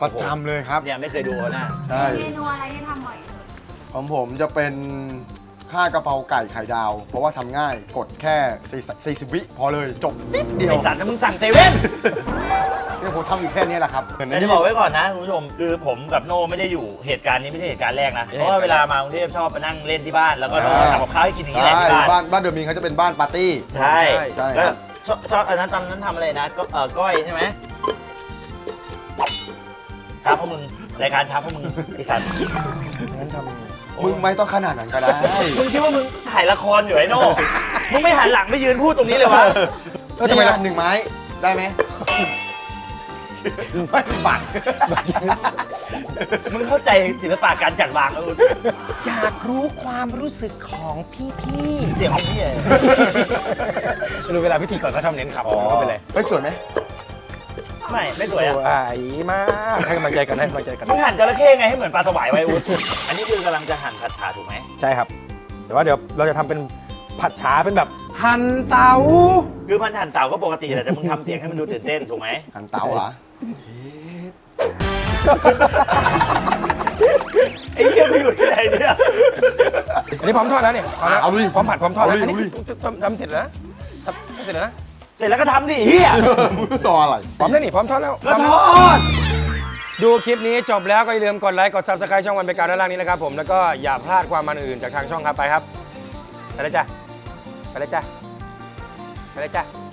ประจำเลยครับเนี่ยไม่เคยดูนะใช่เมนูอะไรที่ทำบ่อยสุดของผมจะเป็นข้าวกะเพราไก่ไข่ดาว เพราะว่าทำง่ายกดแค่40 วิพอเลยจบนิดเดียวไอสัตว์มึงสั่งเซเว่นเนี่ยผมทำอยู่แค่นี้แหละครับแต่จะบอกไว้ก่อนนะคุณผู้ชมคือผมกับโน่ไม่ได้อยู่เหตุการณ์นี้ไม่ใช่เหตุการณ์แรกนะเพราะว่าเวลามากรุงเทพชอบมานั่งเล่นที่บ้านแล้วก็โน่ทำกับข้าวให้กินอย่างนี้แหละที่บ้านบ้านเดอะมินเขาจะเป็นบ้านปาร์ตี้ใช่ครัก็บชอบอันนั้นตอนนั้นทำอะไรนะก็ก้อยใช่ไหมช้าเพราะมึงรายการช้าเพราะมึงไอสัตว์งั้นทำมึงไม่ต้องขนาดนั้นก็ได้มึงคิดว่ามึงถ่ายละครอยู่ไอ้โน่มึงไม่หันหลังไปยืนพูดตรงนี้เลยวะนี่ไง1 ไม้ได้ไหมไม่10 บาทมึงเข้าใจศิลปะการจัดวางแล้วอยากรู้ความรู้สึกของพี่เสียงของพี่เลยๆรู้เวลาพิธีก่อนเขาทำเน้นขับก็เป็นไรไม่สวยไหมไม่สวยสอ่ะวยมากให้กำลังใจกันให้กำลังใจกันมึงหั่นจระเข้ไงให้เหมือนปลาสวายไว้อุ๊ดอันนี้คือกำลังจะหั่นผัดฉาถูกไหมใช่ครับ แต่ว่าเดี๋ยวเราจะทำเป็นผัดฉาเป็นแบบหั่นเตาคือมันหั่นเต่าก็ปกติแหละแต่มึงทำเสียงให้มันดูตื่นเต้นถูกไหมหั่นเต๋าเหรอไอ้เหี้ยไปอยู่ที่ไหนเนี่ยอันนี้พร้อมทอดแล้วเนี่ยเอาลุยพร้อมผัดพร้อมทอดแล้วเอาลุยอันนี้เอาลุยทำเสร็จแล้วนะทำเสร็จแล้วนะเสร็จแล้วก็ทำสิเฮียรออะไรพร้อมแล้วนี่พร้อมทอดแล้วก็ทอดดูคลิปนี้จบแล้วก็อย่าลืมกดไลค์กด Subscribe ช่องวันเป็นการด้านล่างนี้นะครับผมแล้วก็อย่าพลาดความมันอื่นจากทางช่องครับไปครับไปเลยจ้ะไปเลยจ้ะไปเลยจ้ะ